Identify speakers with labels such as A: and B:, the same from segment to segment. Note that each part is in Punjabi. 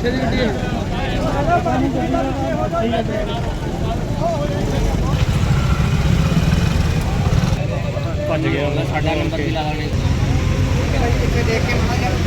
A: ਭੱਜ ਗਿਆ ਉਹਦਾ ਸਾਡਾ ਨੰਬਰ ਵੀ ਲਾਣੇ ਇੱਥੇ ਦੇਖ ਕੇ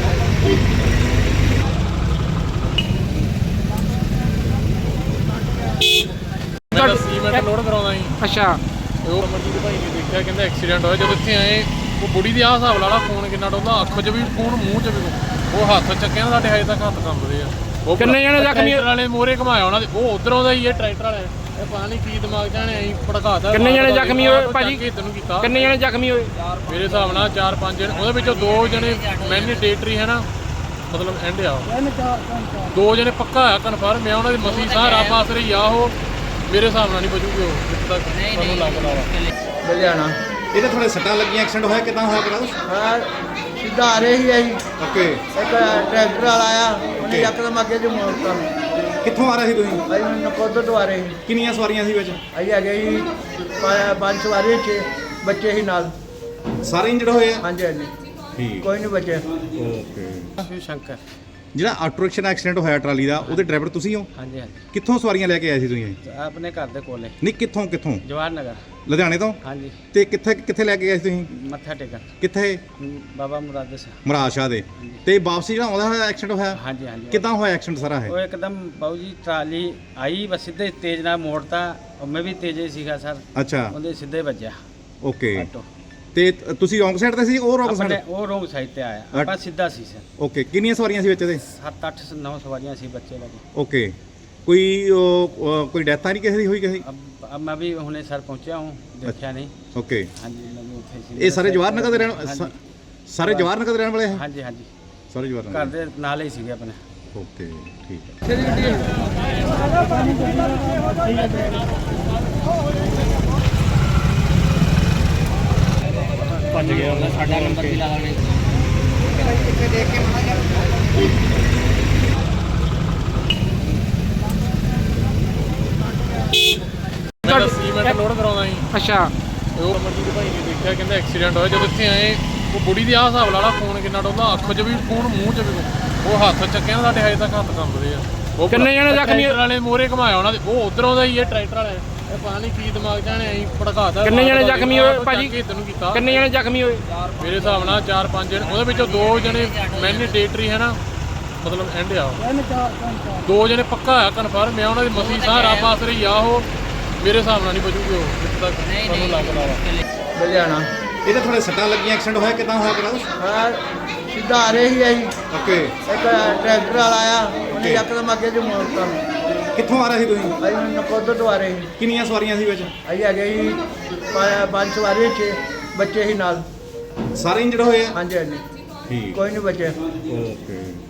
B: ਮੈਂ ਸੀਮੈਂਟ ਲੋਡ ਕਰਾਉਂਦਾ ਸੀ।
A: ਅੱਛਾ
B: ਉਹ ਅਮਰਜੀਤ ਭਾਈ ਨੇ ਦੇਖਿਆ, ਕਹਿੰਦਾ ਐਕਸੀਡੈਂਟ ਹੋਇਆ। ਜਦੋਂ ਇੱਥੇ ਆਏ ਉਹ ਬੁੜੀ ਦੀ ਆਹ ਹਿਸਾਬ ਲਾ ਲਾ, ਫੋਨ ਕਿੰਨਾ ਡੋਲਦਾ, ਅੱਖ 'ਚ ਵੀ ਫੋਨ, ਮੂੰਹ 'ਚ ਵੀ ਉਹ ਹੱਥ ਚੱਕਿਆ ਨਾ, ਸਾਡੇ ਹਜੇ ਤੱਕ ਹੱਥ ਕੰਬਦੇ ਆ। ਉਹ
A: ਕਿੰਨੇ ਜਣੇ ਜ਼ਖਮੀ
B: ਵਾਲੇ ਮੋਰੇ ਘਮਾਇਆ ਉਹਨਾਂ ਦੇ, ਉਹ ਉਧਰੋਂ ਦਾ ਹੀ ਇਹ ਟਰੈਕਟਰ ਵਾਲੇ, ਇਹ ਪਤਾ ਨਹੀਂ ਕੀ ਦਿਮਾਗ ਜਾਣੇ ਐਂ ਭੜਕਾਤਾ।
A: ਕਿੰਨੇ ਜਣੇ ਜ਼ਖਮੀ ਹੋਏ ਭਾਜੀ?
B: ਤੈਨੂੰ ਕੀਤਾ
A: ਕਿੰਨੇ ਜਣੇ ਜ਼ਖਮੀ ਹੋਏ?
B: ਮੇਰੇ ਹਿਸਾਬ ਨਾਲ 4-5 ਜਣੇ, ਉਹਦੇ ਵਿੱਚੋਂ 2 ਜਣੇ ਮੈਂਡੇਟਰੀ ਹੈ ਨਾ, ਮਤਲਬ ਐਂਡ ਆ, 2 ਜਣੇ ਪੱਕਾ ਆ ਕਨਫਰਮ ਆ। ਉਹਨਾਂ ਦੀ ਮਸੀ ਸਾਹ ਰੱਬ ਆਸਰੇ ਹੀ ਆ, ਉਹ ਮੇਰੇ ਹਿਸਾਬ ਨਾਲ ਨਹੀਂ ਬਚੂਗੇ ਉਹ ਜਿੱਥੇ ਤੱਕ ਤੁਹਾਨੂੰ ਲੱਗਦਾ ਵਾ।
C: ਲੁਧਿਆਣਾ
D: ਇਹ ਤਾਂ ਥੋੜੇ ਸੱਟਾਂ ਲੱਗੀਆਂ, ਐਕਸੀਡੈਂਟ ਹੋਇਆ ਕਿਦਾਂ ਹੋਇਆ ਕਿਹੜਾ ਕੁਛ?
C: ਹਾਂ ਸਿੱਧਾ ਆ ਰਹੇ ਸੀ ਅਸੀਂ,
D: ਓਕੇ।
C: ਇੱਕ ਟਰੈਕਟਰ ਵਾਲਾ ਆਇਆ, ਉਹਨੇ ਯਕਦਮ ਅੱਗੇ ਜੋ ਮੋੜਤਾ।
D: ਕਿੱਥੋਂ ਆ ਰਹੇ ਸੀ ਤੁਸੀਂ?
C: ਅਸੀਂ ਨਕੋਦਰ ਤੋਂ ਆ ਰਹੇ ਸੀ।
D: ਕਿੰਨੀਆਂ ਸਵਾਰੀਆਂ ਸੀ ਵਿੱਚ?
C: ਅਸੀਂ ਹੈਗੇ ਸੀ 5 ਸਵਾਰੀ, 6 ਬੱਚੇ ਸੀ ਨਾਲ।
D: ਸਾਰੇ ਇੰਜਰਡ ਹੋਏ ਆ?
C: ਹਾਂਜੀ ਹਾਂਜੀ,
D: ਠੀਕ।
C: ਕੋਈ ਨਹੀਂ ਬਚੇ।
D: ਓਕੇ।
C: ਸ਼ੰਕਰ।
D: ਜਿਹੜਾ ਆਟੋ ਰਿਕਸ਼ਾ ਦਾ ਐਕਸੀਡੈਂਟ ਹੋਇਆ ਟਰਾਲੀ ਦਾ, ਉਹਦੇ ਡਰਾਈਵਰ ਤੁਸੀਂ ਹੋ?
C: ਹਾਂਜੀ ਹਾਂਜੀ,
D: ਕਿੱਥੋਂ ਸਵਾਰੀਆਂ ਲੈ ਕੇ ਆਏ ਸੀ ਤੁਸੀਂ?
C: ਆਪਣੇ ਘਰ ਦੇ ਕੋਲੇ
D: ਨਹੀਂ, ਕਿੱਥੋਂ?
C: ਜਵਾਹਰ ਨਗਰ।
D: ਲੁਧਿਆਣੇ ਤੋਂ?
C: ਹਾਂਜੀ।
D: ਤੇ ਕਿੱਥੇ ਲੈ ਕੇ ਆਏ ਸੀ ਤੁਸੀਂ?
C: ਮੱਥਾ ਟੇਕਣ
D: ਕਿੱਥੇ?
C: ਬਾਬਾ ਮੁਰਾਦ ਸਿੰਘ।
D: ਮਹਾਰਾਜ ਸ਼ਾਹ ਦੇ। ਤੇ ਵਾਪਸੀ ਜਿਹੜਾ ਆਉਂਦਾ ਹੋਇਆ ਐਕਸੀਡੈਂਟ ਹੋਇਆ?
C: ਹਾਂਜੀ ਹਾਂਜੀ।
D: ਕਿੱਦਾਂ ਹੋਇਆ ਐਕਸੀਡੈਂਟ ਸਾਰਾ
C: ਉਹ
D: ਹੈ?
C: ਇੱਕਦਮ ਬਾਊ ਜੀ ਟਰਾਲੀ ਆਈ, ਬਸ ਸਿੱਧੇ ਤੇਜ਼ ਨਾਲ ਮੋੜਤਾ, ਔਰ ਮੈਂ ਵੀ ਤੇਜ਼ ਹੀ ਸੀਗਾ ਸਰ,
D: ਅੱਛਾ,
C: ਉਹਦੇ ਸਿੱਧੇ ਵੱਜਿਆ
D: ਓਕੇ।
C: ਆਟੋ।
D: ਤੇ ਤੁਸੀਂ ਰੋਂਗ ਸਾਈਡ ਤੇ ਸੀ, ਉਹ ਰੋਂਗ
C: ਆਪਣੇ
D: ਸਾਈਡ?
C: ਉਹ ਰੋਂਗ ਸਾਈਡ ਤੇ ਆਇਆ, ਆਪਾਂ ਸਿੱਧਾ ਸੀ ਸਰ।
D: ਓਕੇ। ਕਿੰਨੀਆਂ ਸਵਾਰੀਆਂ ਸੀ ਵਿੱਚ ਇਹਦੇ?
C: 7-8-9 ਸਵਾਰੀਆਂ ਸੀ, ਬੱਚੇ ਲੱਗੇ।
D: ਓਕੇ। ਕੋਈ ਡੈਥ ਤਾਂ ਨਹੀਂ ਕਿਸੇ ਦੀ ਹੋਈ ਕਿਸੇ?
C: अब मैं भी हुने सर पहुंचा हूँ, देखा नहीं।
D: ਓਕੇ।
C: हाँ जी, मैं भी उत्थे सी।
D: ਇਹ ਸਾਰੇ ਜਵਾਹਰ ਨਗਰ ਦੇ ਰਹਿਣ
C: हाँ जी।
D: ਸਾਰੇ ਜਵਾਹਰ ਨਗਰ ਦੇ ਰਹਿਣ ਵਾਲੇ ਹੈ?
C: हाँ जी हाँ जी,
D: ਸਾਰੇ ਜਵਾਹਰ
C: घर
D: ਨਗਰ।
C: दे नाल ही सीगे अपने।
D: ਓਕੇ, ਠੀਕ ਹੈ।
A: ਭੱਜ ਗਿਆ ਉਹਦਾ ਸਾਡਾ ਨੰਬਰ ਵੀ ਲਾਣੇ
C: ਇੱਥੇ ਦੇਖ ਕੇ
B: ਮੈਂ ਸੀਮੈਂਟ ਲੋਡ ਕਰਾਉਂਦਾ ਸੀ।
A: ਅੱਛਾ
B: ਉਹ ਅਮਰਜੀਤ ਭਾਈ ਨੇ ਦੇਖਿਆ, ਕਹਿੰਦਾ ਐਕਸੀਡੈਂਟ ਹੋਇਆ। ਜਦੋਂ ਇੱਥੇ ਆਏ ਉਹ ਬੁੜੀ ਦੀ ਆਹ ਹਿਸਾਬ ਲਾ ਲਾ, ਫੋਨ ਕਿੰਨਾ ਡੋਲਦਾ, ਅੱਖ 'ਚ ਵੀ ਫੋਨ, ਮੂੰਹ 'ਚ ਵੀ ਉਹ ਹੱਥ ਚੱਕਿਆ ਨਾ, ਸਾਡੇ ਹਜੇ ਤੱਕ ਹੱਥ ਕੰਬਦੇ ਆ। ਉਹ
A: ਕਿੰਨੇ ਜਣੇ ਜ਼ਖਮੀ
B: ਵਾਲੇ ਮੋਰੇ ਘਮਾਇਆ ਉਹਨਾਂ ਦੇ, ਉਹ ਉਧਰੋਂ ਦਾ ਹੀ ਇਹ ਟਰੈਕਟਰ ਵਾਲੇ, ਇਹ ਪਤਾ ਨਹੀਂ ਕੀ ਦਿਮਾਗ ਜਾਣੇ ਐਂ ਭੜਕਾਤਾ।
A: ਕਿੰਨੇ ਜਣੇ ਜ਼ਖਮੀ ਹੋਏ ਭਾਜੀ?
B: ਤੈਨੂੰ ਕੀਤਾ
A: ਕਿੰਨੇ ਜਣੇ ਜ਼ਖਮੀ ਹੋਏ?
B: ਮੇਰੇ ਹਿਸਾਬ ਨਾਲ 4-5 ਜਣੇ, ਉਹਦੇ ਵਿੱਚੋਂ 2 ਜਣੇ ਮੈਂਡੇਟਰੀ ਹੈ ਨਾ, ਮਤਲਬ ਐਂਡ ਆ, 2 ਜਣੇ ਪੱਕਾ ਆ ਕਨਫਰਮ ਆ। ਉਹਨਾਂ ਦੀ ਮਸੀ ਸਾਹ ਰੱਬ ਆਸਰੇ ਹੀ ਆ, ਉਹ ਮੇਰੇ ਹਿਸਾਬ ਨਾਲ ਨਹੀਂ ਬਚੂਗੇ ਉਹ ਜਿੱਥੇ ਤੱਕ ਤੁਹਾਨੂੰ ਲੱਗਦਾ ਵਾ।
C: ਲੁਧਿਆਣਾ
D: ਇਹ ਤਾਂ ਥੋੜੇ ਸੱਟਾਂ ਲੱਗੀਆਂ, ਐਕਸੀਡੈਂਟ ਹੋਇਆ ਕਿਦਾਂ ਹੋਇਆ ਕਿਹੜਾ ਕੁਛ?
C: ਹਾਂ ਸਿੱਧਾ ਆ ਰਹੇ ਸੀ ਅਸੀਂ,
D: ਓਕੇ।
C: ਇੱਕ ਟਰੈਕਟਰ ਵਾਲਾ ਆਇਆ, ਉਹਨੇ ਯਕਦਮ ਅੱਗੇ ਜੋ ਮੋੜਤਾ।
D: ਕਿੱਥੋਂ ਆ ਰਹੇ ਸੀ ਤੁਸੀਂ?
C: ਅਸੀਂ ਨਕੋਦਰ ਤੋਂ ਆ ਰਹੇ ਸੀ।
D: ਕਿੰਨੀਆਂ ਸਵਾਰੀਆਂ ਸੀ ਵਿੱਚ?
C: ਅਸੀਂ ਹੈਗੇ ਸੀ 5 ਸਵਾਰੀ, 6 ਬੱਚੇ ਸੀ ਨਾਲ।
D: ਸਾਰੇ ਇੰਜਰਡ ਹੋਏ ਆ?
C: ਹਾਂਜੀ ਹਾਂਜੀ,
D: ਠੀਕ।
C: ਕੋਈ ਨਹੀਂ ਬਚੇ।
D: ਓਕੇ।